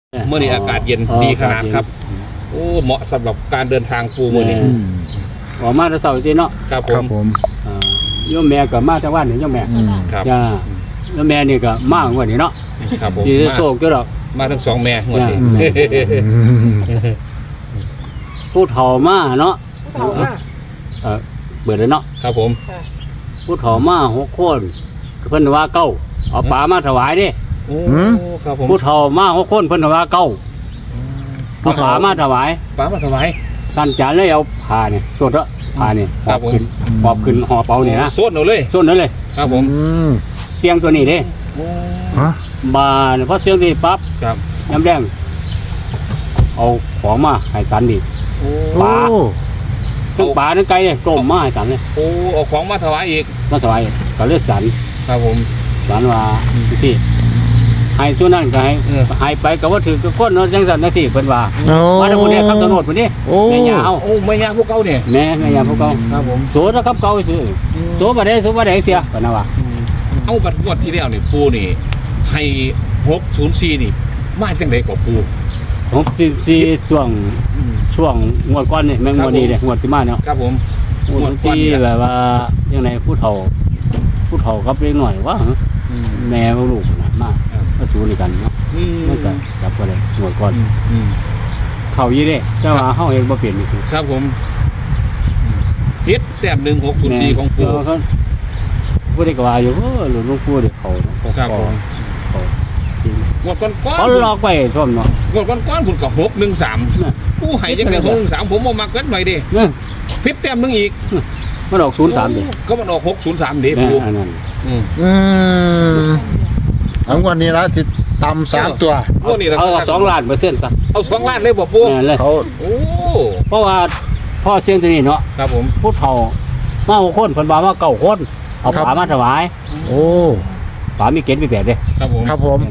เมื่อนี้อากาศเย็นดีขนาดครับโอ้เหมาะสำหรับการเดินทางปูมื่อนี้ออกมาแต่เสาร์ที่เนาะครับผมโยมแม่ก็มาแต่วันนี่โยมแม่ครับโยมแม่นี่ก็มาวันนี้เนาะครับผมที่โศกเจ้าดอกมาทั้งสองแม่วันนี้ผู้เฒ่ามาเนาะเบิดเลยเนาะครับผมผู้เฒ่ามา6 คนเพิ่นว่าเก้าเอาปลามาถวายดิครับผมผู้เฒ่ามา6 คนเพิ่นว่าเก้าเอาปลามาถวายท่านจานเลยเอาผ้าเนี่ยสวดละผ้าเนี่ยปอบขึ้นห่อเปาเนี่ยนะสวดเอาเลยสวดนั่นเลยครับผมเสียงตัวนี้เด้บานเพราะเสียงนี้ปั๊บน้ำแดงเอาของมาให้สันดิปลาทั้งปลาทั้งไก่เลยต้มมาให้สันเลยโอ้เอาของมาถวายอีกมาถวายก็เลือดสันครับผมสันว่าที่ให้ส่วนนั้นก็ให้ไปกับว่าถือกับคนเนาะจังสันนะสิเพิ่นว่ามาทั้งหมดเนี่ยครับตำรวจคนนี้แม่ยาเอาแม่ยาพวกเก่าเนี่ยแม่ยาพวกเก่าครับผมโสดครับเก่าซื้อโสบ่ได้เสียเพิ่นว่าเอาบัดงวดที่แล้วนี่ปูนี่ให้604นี่มาจังได๋ก็ปู 604ช่วงงวดก่อนนี่แม่งงวดนี้เด้งวดสิมาเนาะครับผมงวดที่แบบว่าจังได๋ผู้เฒ่ากับเล็กน้อยว่าแม่ลูกน่ะมาสู้ด้วยกันเนาะมันจะจับบ่ได้งวดก่อนเข้าอยู่เด้แต่ว่าเฮาเองบ่เปลี่ยนนี่คือครับผมเฮ็ดแต้ม1604ของปูผู้ได้ก็ว่าอยู่หลวงปู่เด้เขาเนาะครับผมงวดก่อนเขาลอกไปซ่อมเนาะงวดก่อนคุณก็613ผู้ให้จังได๋613ผมบ่มักกันไว้เด้ผิดแต้มนึงอีกมันออก03ดิก็มันออก603เด้ปูอันนั้นทั้งวันนี้ละสิต่ำ3ตัวเอา2 ล้านเปอร์เซ็นต์ซะเอา2 ล้านเลยบ่ปูเขาโอ้เพราะว่าพ่อเสียงตัวนี้เนาะครับผมผู้เฒ่ามา6 คนเพิ่นว่ามา9 คนเอาปลามาถวายโอ้ปลามีเกณฑ์มีแปดเด้ครับผม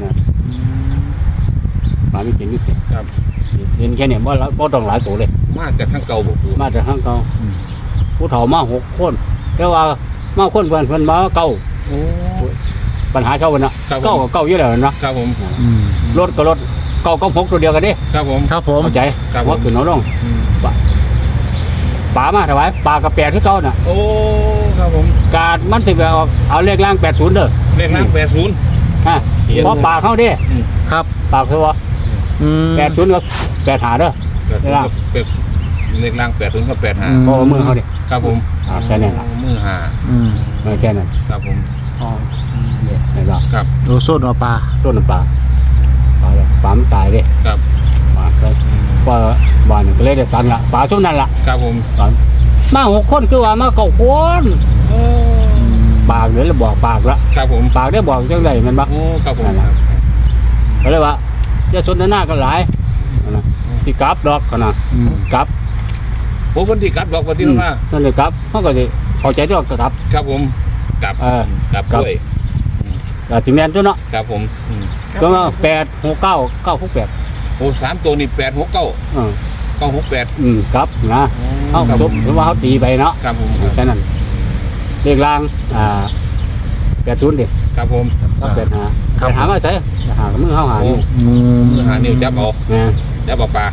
ปลามีเกณฑ์มีแปดครับเห็นแค่นี้บ่ต้องหลายตัวเลยมาจากทางเก่าบ่ปูมาจากทางเก่าผู้เฒ่ามา6 คนแต่ว่ามาคนเพิ่นมาเก่าโอ้ปัญหาเช่าเพิ่นน่ะเก่ากับเก่าอยู่แล้วเนาะครับผมรถก็รถเก่ากับ6ตัวเดียวกันเด้ครับผมเข้าใจว่าขึ้นเอาลงปลามาถวายปลากับ8คือเก่าน่ะโอ้ครับผมการมันสิเอาเลขล่าง80เด้อเลขล่าง80 เพราะปลาเข้าเด้ครับปลาคือว่า80กับ85เด้อเลขล่าง80กับ 85เพราะมือเขาเด้ครับผมแค่นั้นล่ะมือ5 แค่นั้นครับผมเนี่ยได้บ่ครับโอ้โซนเอาปลาต้นปลามันตายเด้ครับก็บ้านก็เลยได้สั่นละปลาช่วงนั้นละครับผมมา6 คนคือว่ามา9 คนปากเลยแล้วบอกปากละครับผมปากได้บอกจังได๋มันบ่โอ้ครับผมก็เลยว่าจะสนทนากันหลายนะสิกลับดอกนะกลับผมวันที่กลับดอกวันที่นั้นมานั่นเลยกลับเฮาก็สิเข้าใจดอกกลับครับผมกลับด้วยก็สิแม่นตัวเนาะครับผมก็ว่า869 968 โอ้3ตัวนี่869 968 กลับนะเฮาจบหรือว่าเฮาตีไปเนาะครับผมแค่นั้นเลขล่าง80ดิครับผม 85หามาใส่หากับมือเฮาหานิ้วหานิ้วจับเอาจับเอาปลา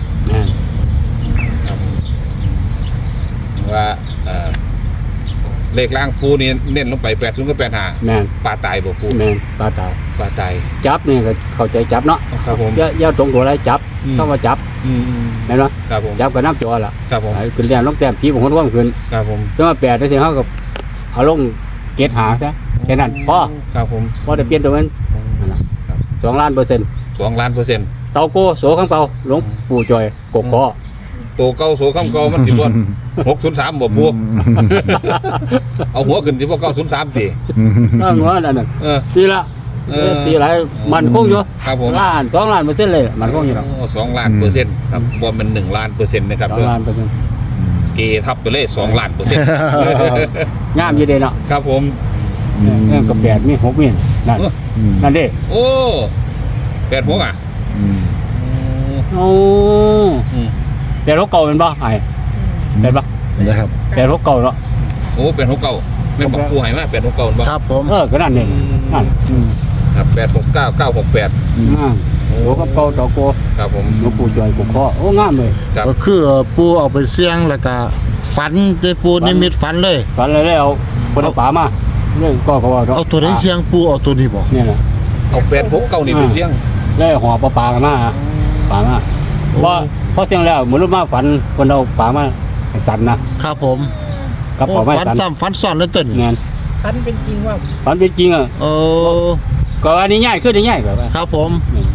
ว่าเลขล่างปูนี่เน้นลงไป80กับ85ปลาตายบ่ปูแม่นปลาตายจับนี่ก็เข้าใจจับเนาะครับผมอย่าตรงตัวอะไรจับเข้ามาจับแม่นบ่ครับผมจับกับน้ำจ่อล่ะครับผมขึ้นแต้มลงแต้มผีบ่ฮู้ว่าขึ้นครับผมแต่ว่า8ได้สิเฮาก็เอาลงเกตหาซะแค่นั้นพอครับผมพอได้เปลี่ยนตัวมันนั่นล่ะ2 ล้านเปอร์เซ็นต์ 2 ล้านเปอร์เซ็นต์เตาโกโสคำเก่าหลวงปู่จอยกกคอตัวเก่าโสคำเก่ามันสิบ่603บ่ปูเอาหัวขึ้นสิบ่903ติหัวนั่นน่ะตีละตีหลายมันคงอยู่ครับผมล้าน2 ล้านเปอร์เซ็นต์เลยมันคงอยู่ดอก 2 ล้านเปอร์เซ็นต์ครับบ่แม่น1 ล้านเปอร์เซ็นต์นะครับ 2 ล้านเปอร์เซ็นต์เกทับไปเลย2 ล้านเปอร์เซ็นต์งามอยู่เด้เนาะครับผมกับ8มี6มีนั่นเด้โอ้86อ่ะโอ้แต่รถเก่าเป็นบ่ไอ้เป็นบ่นะครับแต่รถเก่าเนาะโอ้เป็น69แม่นบอกผู้ให้มา869บ่ครับผมก็นั่นเองนั่นครับ869 968โอ้โตกับเก่าเตาโกครับผมหลวงปู่จอยกุกข้อโอ้งามเลยครับก็คือปูเอาไปเสี่ยงแล้วก็ฝันได้ปูนิมิตฝันเลยฝันเลยแล้วเอาคนเอาป่ามาเรื่องก็เขาว่าเอาตัวไหนเสี่ยงปูเอาตัวนี้บ่เนี่ยแหละเอา869นี่ไปเสี่ยงแล้วห่อปลากันมาป่ามาเพราะเสียงแล้วเหมือนรู้มาฝันคนเอาป่ามาให้สันนะครับผมกับโอ้ป่าไม้ฝันสันซ้ำฝันซ้อนเลยต้นเงี้ยฝันเป็นจริงว่าฝันเป็นจริงอ่ะโอ้ก็อันนี้ง่ายขึ้นได้ง่ายกว่าครับผม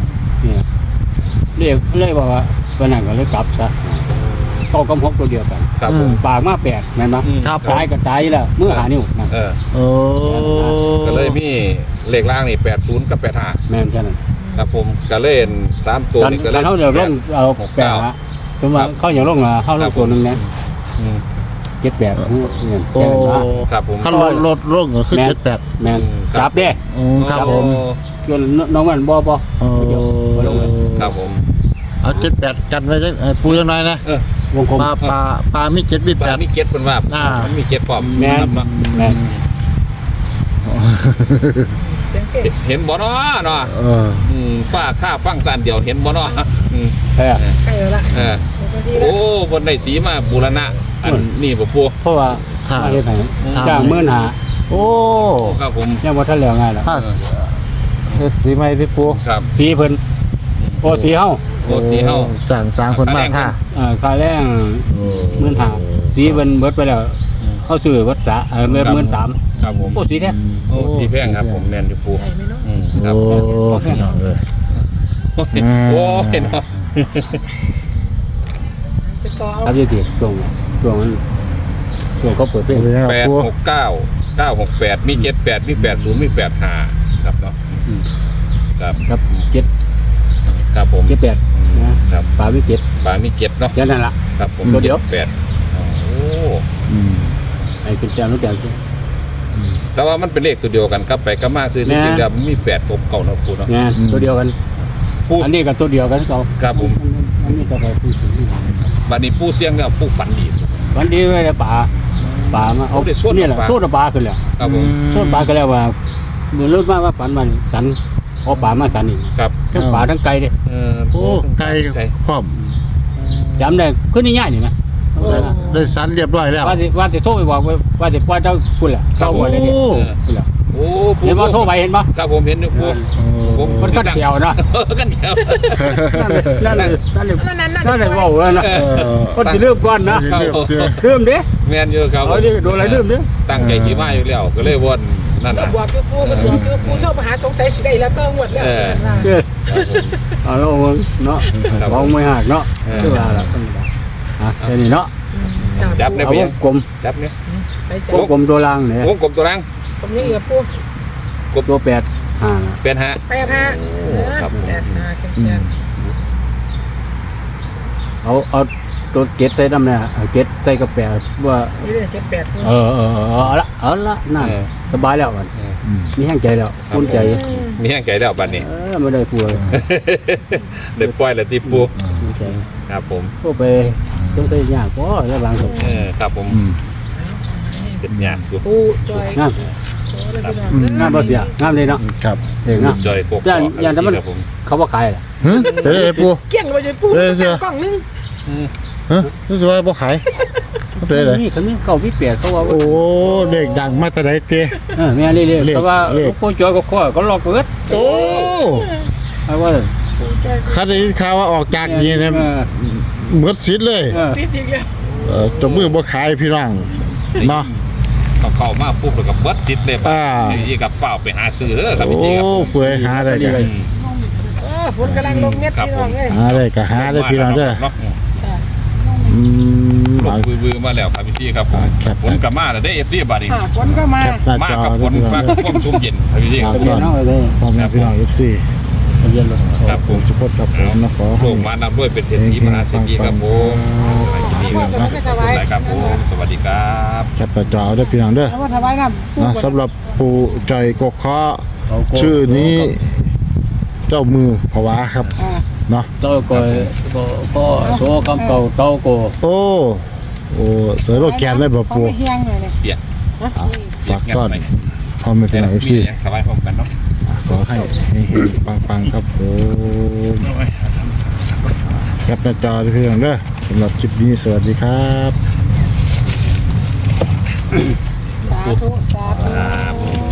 นี่เรียกว่าวันนั้นก็เลยกลับซะเก้ากับ6ตัวเดียวกันครับผมปากมา8แม่นบ่ครับผมตายก็ตายแล้วมือหานิ้วนั่นโอ้ก็เลยมีเลขล่างนี่80กับ85 แม่นแค่นั้นครับผมก็เล่น3ตัวนี่ก็ตเล่อนนเขาเดี๋ยวลงเอาแปดฮะสมมติว่าเขาอย่างลงมาเขาลงตัวหนึงนะอืม 7-8เนี่ยโอ้แค่นั้นนะครับผมถ้าลดลงก็คือ78 แม่นครับจับเด้ครับผมจนน้องมันบ่โอ้เดี๋ยวบ่ลงเลยครับผมเอา78กันไว้จังปูจังหน่อยนะวงกลมปลามี7มีปลามี 8 เก็ตเป็นว่าอ่ามันมีเก็ตพร้อมแม่นครับเนาะแม่นเสียงเก่งเห็นบ่เนาะเนาะเออป้าข้าฟังตานเดียวเห็นบ่เนาะอืมเออใกล้แล้วล่ะเออปกติแล้โอ้วบนได้สีมาบูรณะอันนี้บ่ปูเพราะว่าครับมาเฮ็ดให้ครับจ้างมื้อหาโอ้ครับผมยังบ่ทันแล้วง่ายล่ะถ้าเฮ็ดสีใหม่ที่ปูครับสีเพิ่นโอ้สีเฮาโอ้สีเฮาจ้างสร้างคนมาค่ะค่าแรงมื้อหาสีเพิ่นเบิดไปแล้วเขาซื้อเบิดษะเบิด13,000 ครับผมโอ้สีแท้โอ้สีแพงครับผมแม่นอยู่ปูใช่ไหมเนาะครับโอ้พี่น้องเอ้ยโอ้เห็นเนาะไปต่อเอาครับอยู่ที่ช่วงนั้นช่วงเขาเปิดเพลงเป็นยังไงปู 869 968มี78มี80มี85ครับเนาะครับครับ7 ครับผม 78นะครับ ป่าวิเจ็ดปลามีเก็ตเนาะแค่นั้นล่ะครับผมตัวเดียว 78โอ้อืมไอ้เป็นเจ้านู้นเจ้าแต่ว่ามันเป็นเลขตัวเดียวกันครับไปก็มาซื้อที่จริงแล้วมันมี8กบเก่าเนาะปูเนาะเนี่ยตัวเดียวกันปูอันนี้ก็ตัวเดียวกันเขาครับผมอันนี้ก็ไปพูดถึงบัดนี้ปูเสียงแล้วปูฝันดีวันนี้ไม่ได้ป่ามาเอาโอ้ได้ส่วนนี่แหละป่าสู้ป่าขึ้นแล้วครับผมสู้ป่ากันแล้วว่าเหมือนรถมาว่าฝันมันสันเอาป่ามาสันอีกครับทั้งป่าทั้งไก่เด้โอ้ไก่พร้อมจำได้ขึ้นนี่ง่ายนี่นะได้สันเรียบร้อยแล้วว่าจะโทรไปบอกว่าจะปล่อยเจ้าคุณแหละเจ้าหัวได้เนี่ยคุณแหละโอ้ปูเห็นว่าโทรไปเห็นปะครับผมเห็นอยู่ปูผมมันก็เขียวนะกันเขียวนั่นเลยนั่นนั่นเลยว่าเลยนะเออคนจะเริ่มก่อนนะเรียบเสียเริ่มดิแม่นอยู่ครับเอาดิโดนอะไรเริ่มดิตั้งใจสิมาอยู่แล้วก็เลยวนนั่นเราน่ะบอกคือปูมันบอกคือปูชอบมาหาสงสัยสิได้แล้วก็หมดแล้วเด้อเอาแล้วเนาะมองไม่หักเนาะคือว่าล่ะคนละแค่นี้เนาะจับในเอาเพีวยงงกลมจับเนี่ยวไปวงกลมตัวล่างเนี่ยวงกลมตัวรังผมยังเหลือปูตัว8 เป็นฮะ 8585แข็งเอาตัวเกตใส่น้ำเนี่ยเกตใส่กระแปะว่าๆนี่เลย78 เอาละน่าสบายแล้วมันมีแห้งใจแล้วคุ้นใจมีแห้งใจแล้วบัดนี้ไม่ได้กลัวเด็กปล่อยแล้วที่ปูคุ้นใจครับผมก็ไปต้องไปยากก็แล้วบางคนครับผมเป็นยากอยู่ปูจอยงามงามบ่เสียงามเลยเนาะครับเด็กเนาะจอยกบอย่างแต่มันครับผมเขาว่าขายแหละฮึเอ้ยปูเกี้ยงเลยปูกล้องนึงฮะรู้สึกว่าบ่ขายเป็นไรนี่เขามีเก่าวิเปียเขาว่าโอ้เด็กดังมาแต่ไหนเตี้ยแม่เรื่อยๆแต่ว่าโคจอยก็ข้อก็ลอกเปิดโอ้เอาว่าปูจอยข้าได้ยินข่าวว่าออกจากนี่นะเหมือนสิทธิ์เลยซีดอีกแล้วจมือบ่ขายพี่น้องเนาะเข้ามาปุ๊บแล้วก็เบิดซิดเลยอ่านี่กับฝ้าไปหาซื้อเด้อครับโอ้พี่ครับเปื่อยหาได้กันฝนกำลังลงเม็ดพี่น้องเอ้ยหาได้ก็หาได้พี่น้องเด้ออืมลงบือมาแล้วครับพี่ครับผมครับฝนกับมาแล้วได้ FC บัดนี้ฝนก็มาหน้ามาจอกับฝนพี่น้มาองกับเด้อความชุ่มเย็นครับพี่ครับเรียนเนาะเลยพ่อแม่พี่น้อง FC เรียนเลยครับผมสุพจน์ครับผมนะขอโชคมานำด้วยเป็นเศรษฐีมหาเศรษฐีครับผมสวัสดีครับผมสวัสดีครับแคปหน้าจอเด้อพี่น้องเด้อแล้วว่าถวายน้ำปูนะสำหรับปู่จอยกกเคาะชื่อนี้เจ้ามือภาวะครับเนาะเต้าก็โตคำเก่าเต้าโกโอ้เสือโรคแกนเลยบ่ปู่เฮียงเลยเนี่ยเปียกฝากต้อนพ่อแม่พี่น้อง FC สบายพร้อมกันเนาะขขอให้เฮงๆปังๆครับผมแคปหน้าจอด้วยเพื่อนเด้อสำหรับคลิปนี้สวัสดีครับสาธุ สาธุ